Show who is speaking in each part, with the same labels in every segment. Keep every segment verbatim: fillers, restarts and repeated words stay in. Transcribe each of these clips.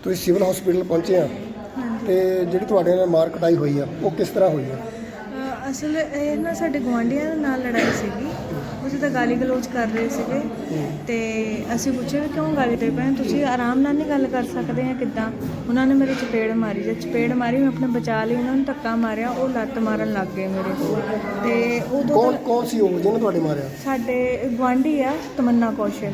Speaker 1: ਤੁਸੀਂ civil hospital ਪਹੁੰਚੇ ਆ ਤੇ ਜਿਹੜੀ ਤੁਹਾਡੇ ਨਾਲ ਮਾਰ ਕੁਟਾਈ ਹੋਈ ਆ ਉਹ ਕਿਸ ਤਰ੍ਹਾਂ ਹੋਈ ਆ?
Speaker 2: ਅਸਲ ਇਹ ਨਾ ਸਾਡੇ ਗੁਆਂਢੀਆਂ ਦੇ ਨਾਲ ਲੜਾਈ ਸੀਗੀ। ਅਸੀਂ ਤਾਂ ਗਾਲੀ ਗਲੋਚ ਕਰ ਰਹੇ ਸੀਗੇ ਤੇ ਅਸੀਂ ਪੁੱਛਿਆ ਵੀ ਕਿਉਂ ਗਾਲੀ ਦੇ ਪਏ, ਤੁਸੀਂ ਆਰਾਮ ਨਾਲ ਨਹੀਂ ਗੱਲ ਕਰ ਸਕਦੇ ਆ ਕਿੱਦਾਂ? ਉਹਨਾਂ ਨੇ ਮੇਰੇ ਚਪੇੜ ਮਾਰੀ, ਜੇ ਚਪੇੜ ਮਾਰੀ ਮੈਂ ਆਪਣੇ ਬਚਾ ਲਈ, ਉਹਨਾਂ ਨੂੰ ਧੱਕਾ ਮਾਰਿਆ, ਉਹ ਲੱਤ ਮਾਰਨ ਲੱਗ ਗਏ ਮੇਰੇ ਤੇ ਉਦੋਂ
Speaker 1: ਕੌਣ ਕੌਣ ਸੀ ਉਹ ਜਿਹਨੇ ਤੁਹਾਡੇ ਮਾਰਿਆ?
Speaker 2: ਸਾਡੇ ਗੁਆਂਢੀ ਆ ਤਮੰਨਾ ਕੌਸ਼ਲ।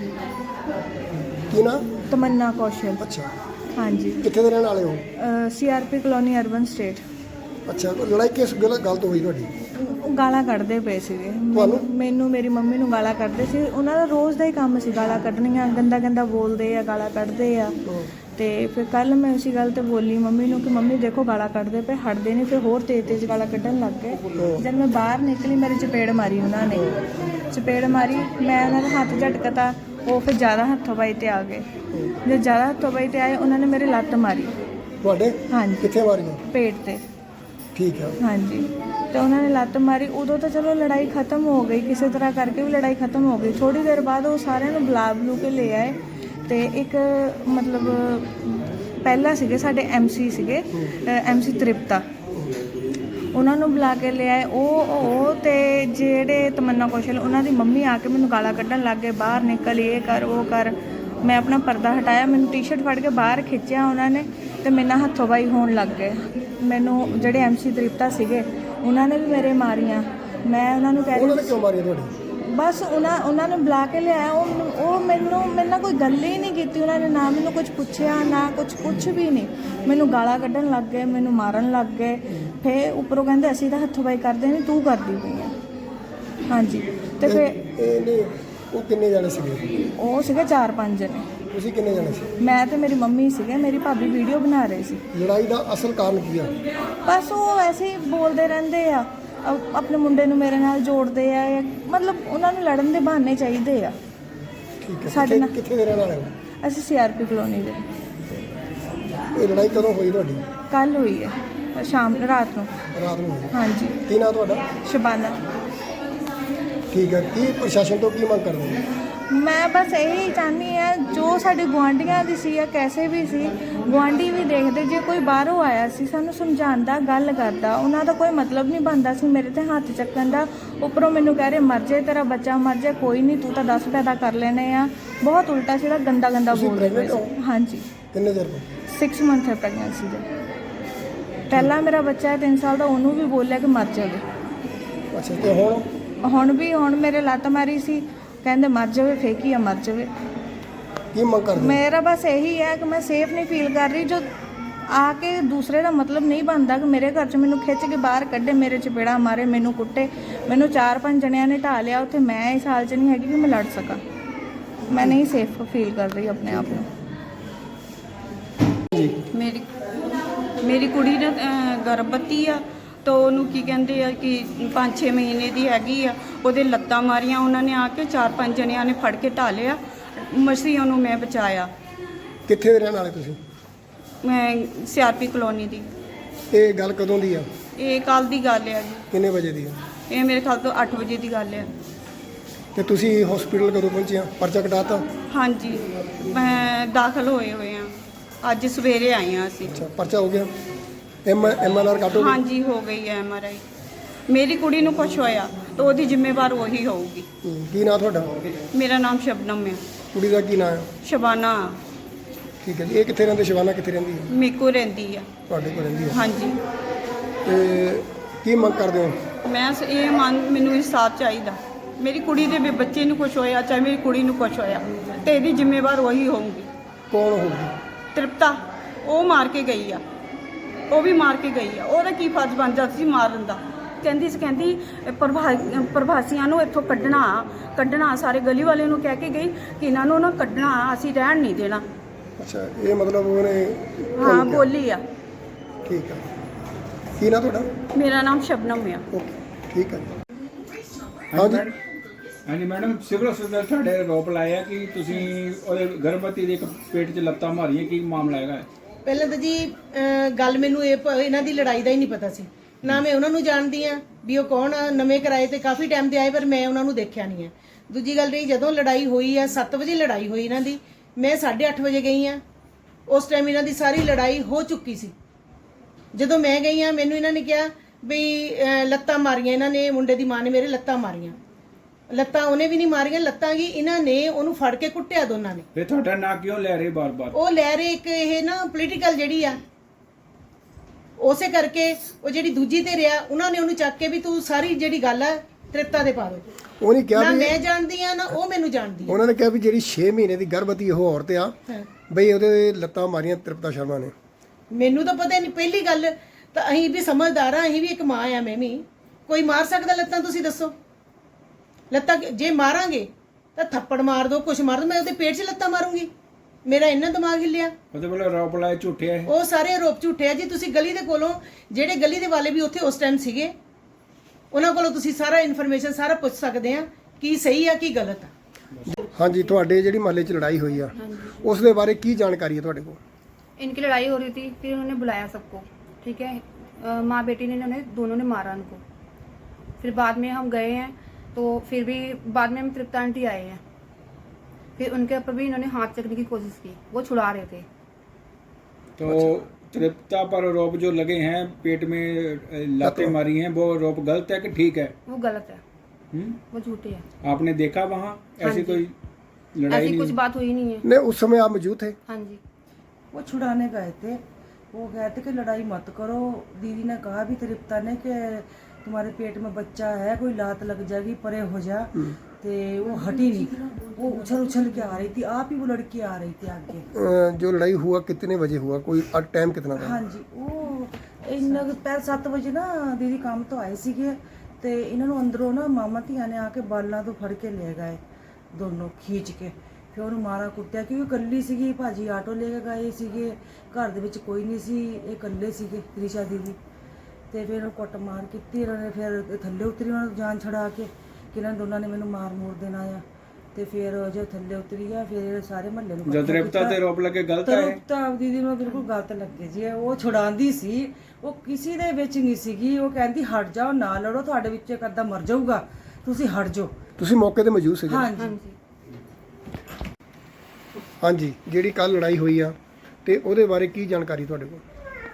Speaker 1: ਕੀ ਨਾ?
Speaker 2: ਤਮੰਨਾ ਕੌਸ਼ਲ।
Speaker 1: ਅੱਛਾ,
Speaker 2: ਹਾਂਜੀ।
Speaker 1: ਕਿੱਥੇ ਦੇ ਰਹਿਣ ਵਾਲੇ ਹੋ?
Speaker 2: CRP colony urban estate.
Speaker 1: ਅੱਛਾ, ਲੜਾਈ ਕਿਸ ਗੱਲ ਗੱਲ ਤੋਂ ਹੋਈ ਤੁਹਾਡੀ?
Speaker 2: ਉਹ ਗਾਲਾਂ ਕੱਢਦੇ ਪਏ ਸੀਗੇ
Speaker 1: ਤੁਹਾਨੂੰ?
Speaker 2: ਮੈਨੂੰ ਮੇਰੀ ਮੰਮੀ ਨੂੰ ਗਾਲਾਂ ਕੱਢਦੇ ਸੀ। ਉਹਨਾਂ ਦਾ ਰੋਜ਼ ਦਾ ਹੀ ਕੰਮ ਸੀ ਗਾਲਾਂ ਕੱਢਣੀਆਂ, ਗੰਦਾ ਗੰਦਾ ਬੋਲਦੇ ਆ, ਗਾਲਾਂ ਕੱਢਦੇ ਆ। ਤੇ ਫਿਰ ਕੱਲ ਮੈਂ ਉਸੇ ਗੱਲ ਤੇ ਬੋਲੀ ਮੰਮੀ ਨੂੰ ਕਿ ਮੰਮੀ ਦੇਖੋ ਗਾਲਾਂ ਕੱਢਦੇ ਪਏ, ਹਟਦੇ ਨਹੀਂ। ਫਿਰ ਹੋਰ ਤੇਜ਼ ਤੇਜ਼ ਗਾਲਾਂ ਕੱਢਣ ਲੱਗ ਗਏ। ਜਦ ਮੈਂ ਬਾਹਰ ਨਿਕਲੀ ਮੇਰੇ ਚਪੇੜ ਮਾਰੀ ਉਹਨਾਂ ਨੇ, ਚਪੇੜ ਮਾਰੀ, ਮੈਂ ਉਹਨਾਂ ਦਾ ਹੱਥ ਝਟਕਤਾ, ਉਹ ਫਿਰ ਜ਼ਿਆਦਾ ਹੱਥੋਂ-ਪਾਈ ਤੇ ਆ ਗਏ। ਜਦ ਜ਼ਿਆਦਾ ਹੱਥੋਂ-ਪਾਈ ਤੇ ਆਏ ਉਹਨਾਂ ਨੇ ਮੇਰੇ ਲੱਤ ਮਾਰੀ।
Speaker 1: ਤੁਹਾਡੇ?
Speaker 2: ਹਾਂਜੀ।
Speaker 1: ਕਿੱਥੇ ਮਾਰੀਆਂ?
Speaker 2: ਪੇਟ ਤੇ।
Speaker 1: ਠੀਕ ਹੈ।
Speaker 2: ਹਾਂਜੀ, ਤੇ ਉਹਨਾਂ ਨੇ ਲੱਤ ਮਾਰੀ। ਉਦੋਂ ਤਾਂ ਚਲੋ ਲੜਾਈ ਖਤਮ ਹੋ ਗਈ, ਕਿਸੇ ਤਰ੍ਹਾਂ ਕਰਕੇ ਵੀ ਲੜਾਈ ਖਤਮ ਹੋ ਗਈ। ਥੋੜ੍ਹੀ ਦੇਰ ਬਾਅਦ ਉਹ ਸਾਰਿਆਂ ਨੂੰ ਬੁਲਾ ਬਲੂ ਕੇ ਲੈ ਆਏ ਤੇ ਇੱਕ ਮਤਲਬ ਪਹਿਲਾਂ ਸੀਗੇ ਸਾਡੇ ਐਮਸੀ ਸੀਗੇ, ਐਮਸੀ ਤ੍ਰਿਪਤਾ, ਉਹਨਾਂ ਨੂੰ ਬੁਲਾ ਕੇ ਲੈ ਆਏ। ਉਹ ਉਹ ਤੇ ਜਿਹੜੇ ਤਮੰਨਾ ਕੌਸ਼ਲ, ਉਹਨਾਂ ਦੀ ਮੰਮੀ ਆ ਕੇ ਮੈਨੂੰ ਗਾਲਾਂ ਕੱਢਣ ਲੱਗ ਗਏ, ਬਾਹਰ ਨਿਕਲ, ਇਹ ਕਰ ਉਹ ਕਰ। ਮੈਂ ਆਪਣਾ ਪਰਦਾ ਹਟਾਇਆ, ਮੈਨੂੰ ਟੀ-ਸ਼ਰਟ ਫੜ ਕੇ ਬਾਹਰ ਖਿੱਚਿਆ ਉਹਨਾਂ ਨੇ ਤੇ ਮੇਰੇ ਨਾਲ ਹੱਥੋਂ ਬਾਈ ਹੋਣ ਲੱਗ ਗਏ। ਮੈਨੂੰ ਜਿਹੜੇ ਐਮਸੀ ਤ੍ਰਿਪਤਾ ਸੀਗੇ ਉਹਨਾਂ ਨੇ ਵੀ ਮੇਰੇ ਮਾਰੀਆਂ। ਮੈਂ ਉਹਨਾਂ ਨੂੰ ਕਹਿ
Speaker 1: ਉਹਨਾਂ ਨੇ ਕਿਉਂ ਮਾਰੀਆਂ ਤੁਹਾਡੇ?
Speaker 2: ਬਸ ਉਹਨਾਂ ਉਹਨਾਂ ਨੇ ਬੁਲਾ ਕੇ ਲਿਆਇਆ। ਉਹ ਉਹ ਮੈਨੂੰ ਮੇਰੇ ਨਾਲ ਕੋਈ ਗੱਲ ਹੀ ਨਹੀਂ ਕੀਤੀ ਉਹਨਾਂ ਨੇ, ਨਾ ਮੈਨੂੰ ਕੁਝ ਪੁੱਛਿਆ, ਨਾ ਕੁਝ ਕੁਛ ਵੀ ਨਹੀਂ। ਮੈਨੂੰ ਗਾਲਾਂ ਕੱਢਣ ਲੱਗ ਗਏ, ਮੈਨੂੰ ਮਾਰਨ ਲੱਗ ਗਏ। ਫਿਰ ਉੱਪਰੋਂ ਕਹਿੰਦੇ ਅਸੀਂ ਤਾਂ ਹੱਥੋਂ ਬਾਈ ਕਰਦੇ ਨਹੀਂ, ਤੂੰ ਕਰਦੀ ਪਈ ਆ। ਹਾਂਜੀ, ਤੇ ਫਿਰ
Speaker 1: ਇਹ ਨਹੀਂ, ਉਹ ਕਿੰਨੇ ਜਾਣੇ ਸੀਗੇ?
Speaker 2: ਉਹ ਸੀਗੇ ਚਾਰ ਪੰਜ ਜਣੇ।
Speaker 1: ਤੁਸੀਂ ਕਿੰਨੇ ਜਾਣੇ ਸੀ?
Speaker 2: ਮੈਂ ਤੇ ਮੇਰੀ ਮੰਮੀ ਸੀਗੇ, ਮੇਰੀ ਭਾਬੀ ਵੀਡੀਓ ਬਣਾ ਰਹੇ ਸੀ।
Speaker 1: ਲੜਾਈ ਦਾ ਅਸਲ ਕਾਰਨ ਕੀ ਆ?
Speaker 2: ਬਸ ਉਹ ਐਸੇ ਹੀ ਬੋਲਦੇ ਰਹਿੰਦੇ ਆ, ਆਪਣੇ ਮੁੰਡੇ ਨੂੰ ਮੇਰੇ ਨਾਲ ਜੋੜਦੇ ਆ, ਮਤਲਬ ਉਹਨਾਂ ਨੂੰ ਲੜਨ ਦੇ ਬਹਾਨੇ ਚਾਹੀਦੇ ਆ।
Speaker 1: ਠੀਕ ਹੈ।
Speaker 2: ਸਾਡੇ ਨਾਲ
Speaker 1: ਕਿੱਥੇ ਦੇ ਰਹਿਣ ਵਾਲੇ ਹੋ?
Speaker 2: ਅਸੀਂ ਸੀਆਰਪੀ ਕਲੋਨੀ ਦੇ।
Speaker 1: ਇਹ ਲੜਾਈ ਕਦੋਂ ਹੋਈ ਤੁਹਾਡੀ?
Speaker 2: ਕੱਲ ਹੋਈ ਹੈ, ਸ਼ਾਮ ਰਾਤ ਨੂੰ।
Speaker 1: ਰਾਤ ਨੂੰ ਹੋਈ?
Speaker 2: ਹਾਂਜੀ।
Speaker 1: ਕੀ ਨਾਂ ਤੁਹਾਡਾ?
Speaker 2: ਸ਼ਬਾਨਾ।
Speaker 1: ਠੀਕ ਹੈ। ਕੀ ਪ੍ਰਸ਼ਾਸਨ ਤੋਂ ਕੀ ਮੰਗ ਕਰਦੇ ਹੋ?
Speaker 2: ਮੈਂ ਬਸ ਇਹੀ ਚਾਹੁੰਦੀ ਹਾਂ, ਜੋ ਸਾਡੇ ਗੁਆਂਢੀਆਂ ਦੀ ਸੀ ਜਾਂ ਕੈਸੇ ਵੀ ਸੀ, ਗੁਆਂਢੀ ਵੀ ਦੇਖਦੇ, ਜੇ ਕੋਈ ਬਾਹਰੋਂ ਆਇਆ ਸੀ ਸਾਨੂੰ ਸਮਝਾਉਂਦਾ, ਗੱਲ ਕਰਦਾ, ਉਹਨਾਂ ਦਾ ਕੋਈ ਮਤਲਬ ਨਹੀਂ ਬਣਦਾ ਸੀ ਮੇਰੇ ਤੇ ਹੱਥ ਚੱਕਣ ਦਾ। ਉੱਪਰੋਂ ਮੈਨੂੰ ਕਹਿ ਰਹੇ ਮਰ ਜਾਏ, ਤੇਰਾ ਬੱਚਾ ਮਰ ਜਾਏ, ਕੋਈ ਨਹੀਂ, ਤੂੰ ਤਾਂ ਦਸ ਪੈਦਾ ਕਰ ਲੈਣੇ ਆ। ਬਹੁਤ ਉਲਟਾ ਸੀਗਾ, ਗੰਦਾ ਗੰਦਾ ਬੋਲ ਰਹੇ ਸੀ। ਹਾਂਜੀ।
Speaker 1: ਕਿੰਨੇ ਚਿਰ ਤੋਂ?
Speaker 2: ਸਿਕਸ ਮੰਥ ਹੈ ਪ੍ਰੈਗਨੈਂਸੀ ਦੇ। ਪਹਿਲਾਂ ਮੇਰਾ ਬੱਚਾ ਹੈ ਤਿੰਨ ਸਾਲ ਦਾ, ਉਹਨੂੰ ਵੀ ਬੋਲਿਆ ਕਿ ਮਰ ਜਾਵੇ।
Speaker 1: ਅੱਛਾ, ਤੇ ਹੁਣ? ਹੁਣ
Speaker 2: ਵੀ ਹੁਣ ਮੇਰੇ ਲੱਤ ਮਾਰੀ ਸੀ, ਕਹਿੰਦੇ ਮਰ ਜਾਵੇ, ਫੇਕੀ ਆ ਮਰ ਜਾਵੇ।
Speaker 1: ਕੀ ਮੰਗ ਕਰਦੇ?
Speaker 2: ਮੇਰਾ ਬਸ ਇਹੀ ਹੈ ਕਿ ਮੈਂ ਸੇਫ ਨਹੀਂ ਫੀਲ ਕਰ ਰਹੀ। ਜੋ ਆ ਕੇ ਦੂਸਰੇ ਦਾ ਮਤਲਬ ਨਹੀਂ ਬਣਦਾ ਕਿ ਮੇਰੇ ਘਰ 'ਚ ਮੈਨੂੰ ਖਿੱਚ ਕੇ ਬਾਹਰ ਕੱਢੇ, ਮੇਰੇ ਚਪੇੜਾ ਮਾਰੇ, ਮੈਨੂੰ ਕੁੱਟੇ। ਮੈਨੂੰ ਚਾਰ ਪੰਜ ਜਣਿਆਂ ਨੇ ਢਾਹ ਲਿਆ ਉੱਥੇ। ਮੈਂ ਇਸ ਹਾਲ 'ਚ ਨਹੀਂ ਹੈਗੀ ਕਿ ਮੈਂ ਲੜ ਸਕਾਂ। ਮੈਂ ਨਹੀਂ ਸੇਫ ਫੀਲ ਕਰ ਰਹੀ ਆਪਣੇ ਆਪ ਨੂੰ।
Speaker 1: ਜੀ,
Speaker 3: ਮੇਰੀ ਮੇਰੀ ਕੁੜੀ ਨਾ ਗਰਭਵਤੀ ਆ, ਤਾਂ ਉਹਨੂੰ ਕੀ ਕਹਿੰਦੇ ਆ ਕਿ ਪੰਜ ਛੇ ਮਹੀਨੇ ਦੀ ਹੈਗੀ ਆ। ਉਹਦੇ ਲੱਤਾਂ ਮਾਰੀਆਂ ਉਹਨਾਂ ਨੇ ਆ ਕੇ, ਚਾਰ ਪੰਜ ਜਣਿਆਂ ਨੇ ਫੜ ਕੇ ਢਾਹ ਲਿਆ। ਮਸੀਂ ਉਹਨੂੰ ਮੈਂ ਬਚਾਇਆ।
Speaker 1: ਕਿੱਥੇ ਦੇ ਰਹਿਣ ਵਾਲੇ ਤੁਸੀਂ?
Speaker 3: ਮੈਂ ਸੀਆਰਪੀ ਕਲੋਨੀ ਦੀ।
Speaker 1: ਇਹ ਗੱਲ ਕਦੋਂ ਦੀ ਆ?
Speaker 3: ਇਹ ਕੱਲ੍ਹ ਦੀ ਗੱਲ ਹੈ ਜੀ।
Speaker 1: ਕਿੰਨੇ ਵਜੇ ਦੀ ਆ?
Speaker 3: ਇਹ ਮੇਰੇ ਖਿਆਲ ਤੋਂ ਅੱਠ ਵਜੇ ਦੀ ਗੱਲ ਹੈ।
Speaker 1: ਤੇ ਤੁਸੀਂ ਹਸਪੀਟਲ ਕਦੋਂ ਪਹੁੰਚੇ ਆ? ਪਰਚਾ ਕਟਾਤਾ?
Speaker 3: ਹਾਂਜੀ, ਮੈਂ ਦਾਖਲ ਹੋਏ ਹੋਏ ਆ, ਅੱਜ ਸਵੇਰੇ ਆਏ ਆ ਅਸੀਂ।
Speaker 1: ਅੱਛਾ, ਪਰਚਾ ਹੋ ਗਿਆ? ਐਮ ਐਮ ਐਲ ਆਰ ਕੱਟ ਹੋ ਗਈ?
Speaker 3: ਹਾਂਜੀ, ਹੋ ਗਈ ਹੈ ਐਮ ਆਰ ਆਈ। ਮੇਰੀ ਕੁੜੀ ਨੂੰ ਕੁਛ ਹੋਇਆ ਤਾਂ ਉਹਦੀ ਜ਼ਿੰਮੇਵਾਰ ਉਹੀ ਹੋਊਗੀ।
Speaker 1: ਹੂੰ, ਕੀ ਨਾਂ ਤੁਹਾਡਾ?
Speaker 3: ਮੇਰਾ ਨਾਮ ਸ਼ਬਨਮ ਹੈ।
Speaker 1: ਕੁੜੀ ਦਾ ਕੀ ਨਾਂ ਆ?
Speaker 3: ਸ਼ਬਾਨਾ।
Speaker 1: ਠੀਕ ਹੈ ਜੀ। ਇਹ ਕਿੱਥੇ ਰਹਿੰਦੇ? ਸ਼ਿਵਾਨਾ ਕਿੱਥੇ ਰਹਿੰਦੀ ਹੈ?
Speaker 3: ਮੇਕੋ ਰਹਿੰਦੀ ਆ।
Speaker 1: ਤੁਹਾਡੇ ਕੋਲ ਰਹਿੰਦੀ ਹੈ?
Speaker 3: ਹਾਂਜੀ।
Speaker 1: ਤੇ ਕੀ ਮੰਗ ਕਰਦੇ ਹੋ?
Speaker 3: ਮੈਂ ਸ- ਇਹ ਮੰਗ, ਮੈਨੂੰ ਇਨਸਾਫ ਚਾਹੀਦਾ। ਮੇਰੀ ਕੁੜੀ ਦੇ ਵੀ ਬੱਚੇ ਨੂੰ ਕੁਛ ਹੋਇਆ, ਚਾਹੇ ਮੇਰੀ ਕੁੜੀ ਨੂੰ ਕੁਛ ਹੋਇਆ, ਤੇ ਇਹਦੀ ਜ਼ਿੰਮੇਵਾਰ ਉਹੀ ਹੋਊਗੀ।
Speaker 1: ਕੌਣ ਹੋਊਗੀ?
Speaker 3: ਤ੍ਰਿਪਤਾ, ਉਹ ਮਾਰ ਕੇ ਗਈ ਆ, ਉਹ ਵੀ ਮਾਰ ਕੇ ਗਈ ਆ। ਉਹਦਾ ਕੀ ਫਰਜ਼ ਬਣ ਜਾਂਦਾ ਸੀ ਮਾਰਨ ਦਾ? ਕਹਿੰਦੀ ਸੀ, ਕਹਿੰਦੀ ਪ੍ਰਭਾ ਪ੍ਰਭਾਸੀਆਂ ਨੂੰ ਇੱਥੋਂ ਕੱਢਣਾ ਕੱਢਣਾ ਸਾਰੇ ਗਲੀ ਵਾਲੇ ਨੂੰ ਕਹਿ ਕੇ ਗਈ ਕਿ ਇਹਨਾਂ ਨੂੰ ਨਾ ਕੱਢਣਾ, ਅਸੀਂ ਰਹਿਣ ਨਹੀਂ ਦੇਣਾ।
Speaker 1: ਅੱਛਾ, ਇਹ ਮਤਲਬ ਉਹਨੇ?
Speaker 3: ਹਾਂ, ਬੋਲੀ ਆ।
Speaker 1: ਠੀਕ ਹੈ। ਕੀ ਨਾਂ ਤੁਹਾਡਾ?
Speaker 3: ਮੇਰਾ ਨਾਮ ਸ਼ਬਨਮ ਆ।
Speaker 1: ਓਕੇ, ਠੀਕ ਹੈ। ਹਾਂਜੀ
Speaker 4: ਹਾਂਜੀ ਮੈਡਮ, ਸਿਵਲ ਹਸਪਤਾਲ ਤੁਹਾਡੇ ਆਰੋਪ ਲਾਇਆ ਕਿ ਤੁਸੀਂ ਉਹਦੇ ਗਰਭਵਤੀ ਦੇ ਇੱਕ ਪੇਟ 'ਚ ਲੱਤਾਂ ਮਾਰੀਆਂ, ਕੀ ਮਾਮਲਾ ਹੈਗਾ?
Speaker 5: ਪਹਿਲਾਂ ਤਾਂ ਜੀ ਅਹ ਗੱਲ ਮੈਨੂੰ ਇਹ ਪ- ਇਹਨਾਂ ਦੀ ਲੜਾਈ ਦਾ ਹੀ ਨਹੀਂ ਪਤਾ ਸੀ। ਨਾ ਮੈਂ ਉਹਨਾਂ ਨੂੰ ਜਾਣਦੀ ਆ ਵੀ ਉਹ ਕੌਣ ਆ। ਨਵੇਂ ਕਿਰਾਏ ਤੇ ਕਾਫੀ ਟਾਈਮ ਤੇ ਆਏ, ਪਰ ਮੈਂ ਉਹਨਾਂ ਨੂੰ ਦੇਖਿਆ ਨਹੀਂ ਹੈ। ਦੂਜੀ ਗੱਲ ਰਹੀ, ਜਦੋਂ ਲੜਾਈ ਹੋਈ ਆ, ਸੱਤ ਵਜੇ ਲੜਾਈ ਹੋਈ ਇਹਨਾਂ ਦੀ, ਮੈਂ ਸਾਢੇ ਅੱਠ ਵਜੇ ਗਈ ਆ ਉਸ ਟਾਈਮ ਇਹਨਾਂ ਦੀ ਸਾਰੀ ਲੜਾਈ ਹੋ ਚੁੱਕੀ ਸੀ। ਜਦੋਂ ਮੈਂ ਗਈ ਆ ਮੈਨੂੰ ਇਹਨਾਂ ਨੇ ਕਿਹਾ ਵੀ ਅਹ, ਲੱਤਾਂ ਮਾਰੀਆਂ ਇਹਨਾਂ ਨੇ, ਮੁੰਡੇ ਦੀ ਮਾਂ ਨੇ ਮੇਰੇ ਲੱਤਾਂ ਮਾਰੀਆਂ। ਲੱਤਾਂ ਉਹਨੇ ਵੀ ਨਹੀਂ ਮਾਰੀਆਂ, ਲੱਤਾਂ ਕੀ ਇਹਨਾਂ ਨੇ ਉਹਨੂੰ ਫੜ ਕੇ ਕੁੱਟਿਆ ਦੋਨਾਂ ਨੇ।
Speaker 4: ਫਿਰ ਤੁਹਾਡਾ ਨਾਂ ਕਿਉਂ ਲੈ ਰਹੇ ਬਾਰ-ਬਾਰ?
Speaker 5: ਉਹ ਲੈ ਰਹੇ ਇੱਕ ਇਹ ਨਾ ਪੋਲੀਟੀਕਲ ਜਿਹੜੀ ਆ, ਉਸੇ ਕਰਕੇ ਉਹ ਜਿਹੜੀ ਦੂਜੀ ਤੇ ਰਿਆ ਉਹਨਾਂ ਨੇ ਉਹਨੂੰ ਚੱਕ ਕੇ ਵੀ ਤੂੰ ਸਾਰੀ ਜਿਹੜੀ ਗੱਲ ਆ ਤ੍ਰਿਪਤਾ ਦੇ ਪਾ ਦੋ।
Speaker 1: ਉਹਨੇ ਕਿਹਾ
Speaker 5: ਨਾ
Speaker 1: ਵੀ
Speaker 5: ਮੈਂ ਜਾਣਦੀ ਆ ਨਾ ਉਹ ਮੈਨੂੰ ਜਾਣਦੀ ਆ।
Speaker 1: ਉਹਨਾਂ ਨੇ ਕਿਹਾ ਵੀ ਜਿਹੜੀ ਛੇ ਮਹੀਨੇ ਦੀ ਗਰਭਵਤੀ ਉਹ ਔਰਤ ਆ
Speaker 5: ਹਾਂ।
Speaker 1: ਬਈ ਉਹਦੇ ਲੱਤਾਂ ਮਾਰੀਆਂ ਤ੍ਰਿਪਤਾ ਸ਼ਰਮਾ ਨੇ।
Speaker 5: ਮੈਨੂੰ ਤਾਂ ਪਤਾ ਨਹੀਂ। ਪਹਿਲੀ ਗੱਲ ਤਾਂ ਅਸੀਂ ਵੀ ਸਮਝਦਾਰ ਆ, ਅਸੀਂ ਵੀ ਇੱਕ ਮਾਂ ਆ, ਮੈਂ ਵੀ। ਕੋਈ ਮਾਰ ਸਕਦਾ ਲੱਤਾਂ? ਤੁਸੀਂ ਦੱਸੋ। ਲੱਤਾਂ ਜੇ ਮਾਰਾਂਗੇ ਤਾਂ ਥੱਪੜ ਮਾਰ ਦੋ, ਕੁਛ ਮਾਰ ਦੋ, ਮੈਂ ਉਹਦੇ ਪੇਟ 'ਚ ਲੱਤਾਂ ਮਾਰੂੰਗੀ? ਮੇਰਾ ਇੰਨਾ ਦਿਮਾਗ ਹਿੱਲਿਆ।
Speaker 4: ਉਹਦੇ ਵੱਲੋਂ ਆਰੋਪ ਲਾਏ ਝੂਠੇ ਹੈ।
Speaker 5: ਉਹ ਸਾਰੇ ਆਰੋਪ ਝੂਠੇ ਆ ਜੀ। ਤੁਸੀਂ ਗਲੀ ਦੇ ਕੋਲੋਂ ਜਿਹੜੇ ਗਲੀ ਦੇ ਵਾਲੇ ਵੀ ਉੱਥੇ ਉਸ ਟਾਈਮ ਸੀਗੇ, ਉਹਨਾਂ ਕੋਲੋਂ ਤੁਸੀਂ ਸਾਰਾ ਇਨਫੋਰਮੇਸ਼ਨ ਸਾਰਾ ਪੁੱਛ ਸਕਦੇ ਆ ਕੀ ਸਹੀ ਆ ਕੀ ਗਲਤ ਆ।
Speaker 1: ਹਾਂਜੀ, ਤੁਹਾਡੇ ਜਿਹੜੀ ਮਹੱਲੇ 'ਚ ਲੜਾਈ ਹੋਈ ਆ ਉਸ ਦੇ ਬਾਰੇ ਕੀ ਜਾਣਕਾਰੀ ਹੈ ਤੁਹਾਡੇ ਕੋਲ?
Speaker 6: इनकी लड़ाई हो रही थी, फिर उन्होंने बुलाया सबको, ठीक है। अ, माँ बेटी ने उन्हें दोनों ने मारा उनको। फिर बाद में हम गए हैं तो फिर भी बाद में हम तृप्ता आंटी आए हैं, फिर उनके ऊपर भी इन्होंने हाथ चकने की कोशिश की, वो छुड़ा रहे थे।
Speaker 4: तो तृप्ता पर आरोप जो लगे हैं, पेट में अ, लातें मारी हैं, वो आरोप गलत है कि ठीक है?
Speaker 6: वो गलत है,
Speaker 4: हुँ?
Speaker 6: वो झूठे है।
Speaker 4: आपने देखा वहाँ ऐसी
Speaker 6: जी।
Speaker 4: कोई लड़ाई
Speaker 6: ऐसी
Speaker 4: नहीं?
Speaker 6: कुछ बात हुई नहीं है।
Speaker 1: नहीं, उस समय आप मौजूद थे?
Speaker 6: हाँ जी।
Speaker 7: वो छुड़ाने गए थे। वो कहते कि लड़ाई मत करो। दीदी ने कहा भी तृप्ता ने कि तुम्हारे पेट में बच्चा है, कोई लात लग जाएगी, परे हो जा। ते वो हटी नहीं, वो उछल उछल के आ रही थी। आप ही वो लड़की आ रही थी आगे।
Speaker 1: अ, जो लड़ाई हुआ कितने बजे हुआ, कोई टाइम कितना था?
Speaker 7: हाँ जी, वो इन्ना पैर सत्त बजे ना दीदी काम तो आए सीगे ते इन्होंने अंदरों ना मामा धिया ने आके बालों तो फड़ के ले गए दोनों खींच के। ਫਿਰ ਉਹਨੂੰ ਮਾਰਾ ਕੁੱਟਿਆ ਕਿਉਂਕਿ ਇਕੱਲੀ ਸੀਗੀ, ਭਾਜੀ ਆਟੋ ਲੈ ਕੇ ਗਏ ਸੀਗੇ, ਘਰ ਦੇ ਵਿੱਚ ਕੋਈ ਨਹੀਂ ਸੀ, ਇਹ ਇਕੱਲੇ ਸੀਗੇ ਤ੍ਰਿਸ਼ਾ ਦੀਦੀ। ਤੇ ਫਿਰ ਉਹ ਕੁੱਟ ਮਾਰ ਕੀਤੀ ਇਹਨਾਂ ਨੇ। ਫਿਰ ਥੱਲੇ ਉਤਰੀ ਉਹਨਾਂ ਨੂੰ ਜਾਨ ਛੜਾ ਕੇ ਕਿ ਇਹਨਾਂ ਦੋਨਾਂ ਨੇ ਮੈਨੂੰ ਮਾਰ ਮੂਰ ਦੇਣਾ ਆ। ਤੇ ਫਿਰ ਜੇ ਥੱਲੇ ਉਤਰੀ ਆ ਫਿਰ ਸਾਰੇ ਮਹੱਲੇ ਨੂੰ
Speaker 4: जो तृप्ता ते आरोप लगे गलत है?
Speaker 7: ਤ੍ਰਿਪਤਾ ਦੀਦੀ ਨੂੰ ਬਿਲਕੁਲ ਗਲਤ ਲੱਗੇ ਜੀ। ਉਹ ਛੁਡਾਉਂਦੀ ਸੀ, ਉਹ ਕਿਸੇ ਦੇ ਵਿੱਚ ਨਹੀਂ ਸੀਗੀ। ਉਹ ਕਹਿੰਦੀ ਹਟ ਜਾਓ, ਨਾ ਲੜੋ, ਤੁਹਾਡੇ ਵਿੱਚ ਇੱਕ ਅੱਧਾ ਮਰ ਜਾਊਗਾ, ਤੁਸੀਂ ਹਟ ਜਾਓ।
Speaker 1: ਤੁਸੀਂ ਮੌਕੇ ਤੇ ਮੌਜੂਦ ਸੀਗੇ?
Speaker 7: ਹਾਂਜੀ
Speaker 6: हाँ जी।
Speaker 1: ਹਾਂਜੀ, ਜਿਹੜੀ ਕੱਲ ਲੜਾਈ ਹੋਈ ਆ ਤੇ ਉਹਦੇ ਬਾਰੇ ਕੀ ਜਾਣਕਾਰੀ ਤੁਹਾਡੇ ਕੋਲ?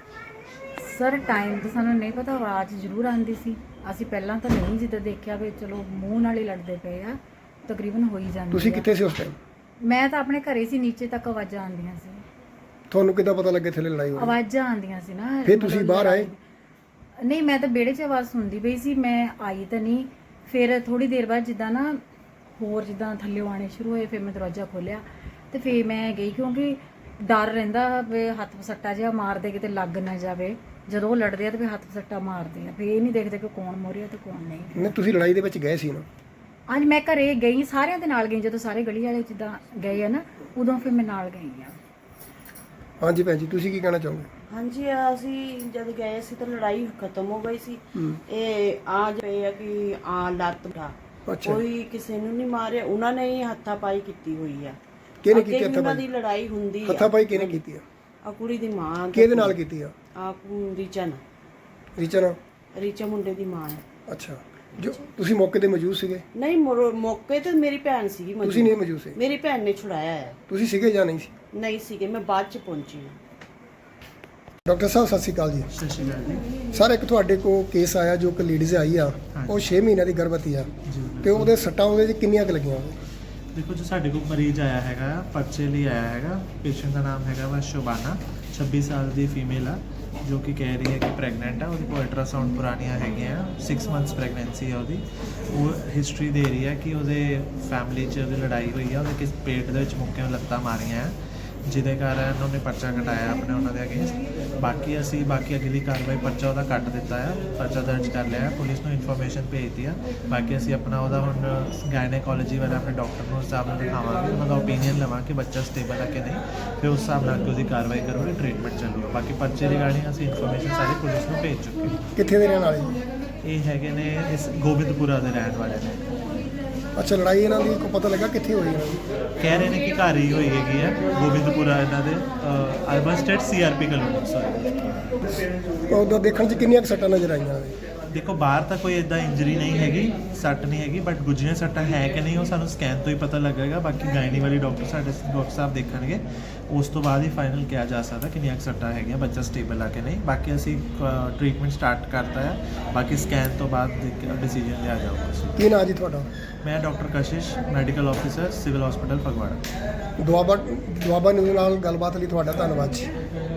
Speaker 8: ਸਰ ਟਾਈਮ ਤਾਂ ਸਾਨੂੰ ਨਹੀਂ ਪਤਾ, ਆਵਾਜ਼ ਜ਼ਰੂਰ ਆਉਂਦੀ ਸੀ। ਅਸੀਂ ਪਹਿਲਾਂ ਤਾਂ ਨਹੀਂ ਜਿੱਦਾਂ ਦੇਖਿਆ ਵੀ ਚਲੋ ਮੂੰਹ ਨਾਲ ਹੀ ਲੜਦੇ ਪਏ ਆ, ਤਕਰੀਬਨ ਹੋ ਹੀ ਜਾਂਦੀ
Speaker 1: ਤੁਸੀਂ
Speaker 8: ਆ।
Speaker 1: ਕਿੱਥੇ ਸੀ ਉਸ ਟਾਈਮ?
Speaker 8: ਮੈਂ ਤਾਂ ਆਪਣੇ ਘਰੇ ਸੀ, ਨੀਚੇ ਤੱਕ ਆਵਾਜ਼ਾਂ ਆਉਂਦੀਆਂ ਸੀ।
Speaker 1: ਤੁਹਾਨੂੰ ਕਿੱਦਾਂ ਪਤਾ ਲੱਗੇ ਥੱਲੇ ਲੜਾਈ ਹੋ ਰਹੀ?
Speaker 8: ਆਵਾਜ਼ਾਂ ਆਉਂਦੀਆਂ ਸੀ ਨਾ।
Speaker 1: ਫਿਰ ਤੁਸੀਂ ਬਾਹਰ ਆਏ?
Speaker 8: ਨਹੀਂ, ਮੈਂ ਤਾਂ ਵਿਹੜੇ 'ਚ ਆਵਾਜ਼ ਸੁਣਦੀ ਪਈ ਸੀ, ਮੈਂ ਆਈ ਤਾਂ ਨਹੀਂ। ਫਿਰ ਥੋੜੀ ਦੇਰ ਬਾਅਦ ਜਿੱਦਾਂ ਨਾ ਹੋਰ ਜਿੱਦਾਂ ਥੱਲੇ ਆਉਣੇ ਸ਼ੁਰੂ ਹੋਏ, ਫਿਰ ਮੈਂ ਦਰਵਾਜ਼ਾ ਖੋਲ੍ਹਿਆ ਤੇ ਫਿਰ ਮੈਂ ਗਈ, ਕਿਉਂਕਿ ਡਰ ਰਹਿੰਦਾ ਵੀ ਹੱਥ ਪਸੱਟਾ ਜਿਹਾ ਮਾਰਦੇ ਕਿਤੇ ਲੱਗ ਨਾ ਜਾਵੇ। ਜਦੋਂ ਉਹ ਲੜਦੇ ਆ ਤੇ ਫਿਰ ਹੱਥ ਪਸੱਟਾ ਮਾਰਦੇ ਆ, ਫਿਰ ਇਹ ਨਹੀਂ ਦੇਖਦੇ ਕਿ ਕੌਣ ਮੋਰਿਆ ਤੇ ਕੌਣ ਨਹੀਂ।
Speaker 1: ਨਹੀਂ, ਤੁਸੀਂ ਲੜਾਈ ਦੇ ਵਿੱਚ ਗਏ ਸੀ ਨਾ?
Speaker 8: ਅੱਜ ਮੈਂ ਘਰੇ ਗਈ, ਸਾਰਿਆਂ ਦੇ ਨਾਲ ਗਈ। ਜਦੋਂ ਸਾਰੇ ਗਲੀ ਵਾਲੇ ਜਿੱਦਾਂ ਗਏ ਆ ਨਾ, ਉਦੋਂ ਫਿਰ ਮੈਂ ਨਾਲ ਗਈ ਆ।
Speaker 1: ਹਾਂਜੀ ਭੈਣ ਜੀ, ਤੁਸੀਂ ਕੀ ਕਹਿਣਾ ਚਾਹੋਗੇ?
Speaker 9: ਹਾਂਜੀ, ਅਸੀਂ ਜਦ ਗਏ ਸੀ ਤਾਂ ਲੜਾਈ ਖਤਮ ਹੋ ਗਈ ਸੀ। ਇਹ ਆ ਜੇ ਆ ਕਿ ਆ ਲੱਤ ਦਾ
Speaker 1: ਅੱਛਾ,
Speaker 9: ਕੋਈ ਕਿਸੇ ਨੂੰ ਨਹੀਂ ਮਾਰਿਆ, ਉਹਨਾਂ ਨੇ ਹੀ ਹੱਥਾਪਾਈ ਕੀਤੀ ਹੋਈ ਆ।
Speaker 1: ਕਿਹਨੇ
Speaker 9: ਅੱਗੇ
Speaker 1: ਕੀਤੀ
Speaker 9: ਵੀ ਉਹਨਾਂ ਦੀ
Speaker 1: ਹੱਥਾਪਾਈ?
Speaker 9: ਲੜਾਈ ਹੁੰਦੀ ਆ।
Speaker 1: ਹੱਥਾਪਾਈ ਕਿਹਨੇ ਕੀਤੀ ਆ?
Speaker 9: ਆ ਕੁੜੀ ਦੀ ਮਾਂ
Speaker 1: ਕਿਹਦੇ ਨਾਲ ਕੀਤੀ ਆ?
Speaker 9: ਆ ਰੀਚਾ ਨਾਲ,
Speaker 1: ਰੀਚਾ ਨਾਲ?
Speaker 9: ਰੀਚਾ ਮੁੰਡੇ ਦੀ ਮਾਂ ਹੈ।
Speaker 1: ਅੱਛਾ, ਜੋ ਤੁਸੀਂ ਮੌਕੇ ਤੇ ਮੌਜੂਦ ਸੀਗੇ?
Speaker 9: ਨਹੀਂ, ਮੌ- ਮੌਕੇ ਤੇ ਮੇਰੀ ਭੈਣ ਸੀਗੀ ਮੌਜੂਦ।
Speaker 1: ਤੁਸੀਂ ਨਹੀਂ ਮੌਜੂਦ ਸੀ?
Speaker 9: ਮੇਰੀ ਭੈਣ ਨੇ ਛੁਡਾਇਆ ਹੈ।
Speaker 1: ਤੁਸੀਂ ਸੀਗੇ ਜਾਂ ਨਹੀਂ ਸੀ?
Speaker 9: ਨਹੀਂ ਸੀਗੇ, ਮੈਂ ਬਾਅਦ ਚ ਪਹੁੰਚੀ ਹਾਂ।
Speaker 1: ਡਾਕਟਰ ਸਾਹਿਬ ਸਤਿ ਸ਼੍ਰੀ ਅਕਾਲ ਜੀ।
Speaker 10: ਸਤਿ ਸ਼੍ਰੀ ਅਕਾਲ ਜੀ।
Speaker 1: ਸਰ, ਇੱਕ ਤੁਹਾਡੇ ਕੋਲ ਕੇਸ ਆਇਆ ਜੋ ਕਿ ਲੇਡੀਜ਼ ਆਈ ਆ, ਉਹ ਛੇ ਮਹੀਨਿਆਂ ਦੀ ਗਰਭਵਤੀ ਆ ਤੇ ਉਹਦੇ ਸੱਟਾਂ ਉਹਦੇ 'ਚ ਕਿੰਨੀਆਂ ਕੁ ਲੱਗੀਆਂ?
Speaker 10: ਦੇਖੋ ਜੋ ਸਾਡੇ ਕੋਲ ਮਰੀਜ਼ ਆਇਆ ਹੈਗਾ, ਪਰਚੇ ਲਈ ਆਇਆ ਹੈਗਾ। ਪੇਸ਼ੈਂਟ ਦਾ ਨਾਮ ਹੈਗਾ ਵਾ ਸ਼ੋਬਾਨਾ, ਛੱਬੀ ਸਾਲ ਦੀ ਫੀਮੇਲ ਆ, ਜੋ ਕਿ ਕਹਿ ਰਹੀ ਹੈ ਕਿ ਪ੍ਰੈਗਨੈਂਟ ਆ। ਉਹਦੇ ਕੋਲ ਅਲਟਰਾਸਾਊਂਡ ਪੁਰਾਣੀਆਂ ਹੈਗੀਆਂ, ਸਿਕਸ ਮੰਥਸ ਪ੍ਰੈਗਨੈਂਸੀ ਆ ਉਹਦੀ। ਉਹ ਹਿਸਟਰੀ ਦੇ ਰਹੀ ਹੈ ਕਿ ਉਹਦੇ ਫੈਮਿਲੀ 'ਚ ਉਹਦੀ ਲੜਾਈ ਹੋਈ ਆ, ਉਹਦੇ ਕਿਸ ਪੇਟ ਦੇ ਵਿੱਚ ਮੁੱਕਿਆਂ ਲੱਤਾਂ ਮਾਰੀਆਂ, ਜਿਹਦੇ ਕਾਰਨ ਉਹਨੇ ਪਰਚਾ ਕਟਾਇਆ ਆਪਣੇ ਉਹਨਾਂ ਦੇ ਅਗੇਂਸਟ। ਬਾਕੀ ਅਸੀਂ ਬਾਕੀ ਅਗਲੀ ਕਾਰਵਾਈ ਪਰਚਾ ਉਹਦਾ ਕੱਟ ਦਿੱਤਾ ਆ, ਪਰਚਾ ਦਰਜ ਕਰ ਲਿਆ, ਪੁਲਿਸ ਨੂੰ ਇਨਫੋਰਮੇਸ਼ਨ ਭੇਜਤੀ ਆ। ਬਾਕੀ ਅਸੀਂ ਆਪਣਾ ਉਹਦਾ ਹੁਣ ਗਾਇਨੇਕੋਲੋਜੀ ਵਾਲੇ ਆਪਣੇ ਡਾਕਟਰ ਨੂੰ ਉਸ ਹਿਸਾਬ ਨਾਲ ਦਿਖਾਵਾਂਗੇ, ਉਹਨਾਂ ਦਾ ਓਪੀਨੀਅਨ ਲਵਾਂ ਕਿ ਬੱਚਾ ਸਟੇਬਲ ਹੈ ਕਿ ਨਹੀਂ, ਫਿਰ ਉਸ ਹਿਸਾਬ ਨਾਲ ਉਹਦੀ ਕਾਰਵਾਈ ਕਰੂਗੇ, ਟ੍ਰੀਟਮੈਂਟ ਚੱਲੂਗਾ। ਬਾਕੀ ਪਰਚੇ ਰਿਗਾਰਡਿੰਗ ਅਸੀਂ ਇਨਫੋਰਮੇਸ਼ਨ ਸਾਰੀ ਪੁਲਿਸ ਨੂੰ ਭੇਜ ਚੁੱਕੇ ਹਾਂ।
Speaker 1: ਕਿੱਥੇ ਦੇ ਰਹਿਣ ਵਾਲੇ ਜੀ?
Speaker 10: ਇਹ ਹੈਗੇ ਨੇ ਇਸ ਗੋਬਿੰਦਪੁਰਾ ਦੇ ਰਹਿਣ ਵਾਲੇ ਨੇ।
Speaker 1: ਅੱਛਾ, ਲੜਾਈ ਇਹਨਾਂ ਦੀ ਕੋਈ ਪਤਾ ਲੱਗਾ ਕਿੱਥੇ ਹੋਈ ਇਹਨਾਂ ਦੀ?
Speaker 10: ਕਹਿ ਰਹੇ ਨੇ ਕਿ ਘਰ ਹੀ ਹੋਈ ਹੈਗੀ ਹੈ, ਗੋਬਿੰਦਪੁਰਾ ਇਹਨਾਂ ਦੇ urban estate C R P colony. Sorry,
Speaker 1: ਉਹਦਾ ਦੇਖਣ 'ਚ ਕਿੰਨੀਆਂ ਕੁ ਸੱਟਾਂ ਨਜ਼ਰ ਆਈਆਂ ਨੇ?
Speaker 10: ਦੇਖੋ ਬਾਹਰ ਤਾਂ ਕੋਈ ਇਦਾਂ ਇੰਜਰੀ ਨਹੀਂ ਹੈਗੀ, ਸੱਟ ਨਹੀਂ ਹੈਗੀ, ਬਟ ਗੁੱਝੀਆਂ ਸੱਟਾਂ ਹੈ ਕਿ ਨਹੀਂ ਉਹ ਸਾਨੂੰ ਸਕੈਨ ਤੋਂ ਹੀ ਪਤਾ ਲੱਗੇਗਾ। ਬਾਕੀ ਗਾਇਨੀ ਵਾਲੀ ਡਾਕਟਰ ਸਾਡੇ ਡਾਕਟਰ ਸਾਹਿਬ ਦੇਖਣਗੇ, ਉਸ ਤੋਂ ਬਾਅਦ ਹੀ ਫਾਈਨਲ ਕਿਹਾ ਜਾ ਸਕਦਾ ਕਿੰਨੀਆਂ ਕੁ ਸੱਟਾਂ ਹੈਗੀਆਂ, ਬੱਚਾ ਸਟੇਬਲ ਆ ਕਿ ਨਹੀਂ। ਬਾਕੀ ਅਸੀਂ ਟ੍ਰੀਟਮੈਂਟ ਸਟਾਰਟ ਕਰਤਾ ਹੈ, ਬਾਕੀ ਸਕੈਨ ਤੋਂ ਬਾਅਦ ਡਿਸੀਜਨ ਲਿਆ ਜਾਊਗਾ।
Speaker 1: ਕੀ ਨਾਂ ਜੀ ਤੁਹਾਡਾ?
Speaker 10: ਮੈਂ doctor Kashish, medical officer, civil hospital Phagwara.
Speaker 1: Doaba Doaba news ਨਾਲ ਗੱਲਬਾਤ ਲਈ ਤੁਹਾਡਾ ਧੰਨਵਾਦ ਜੀ।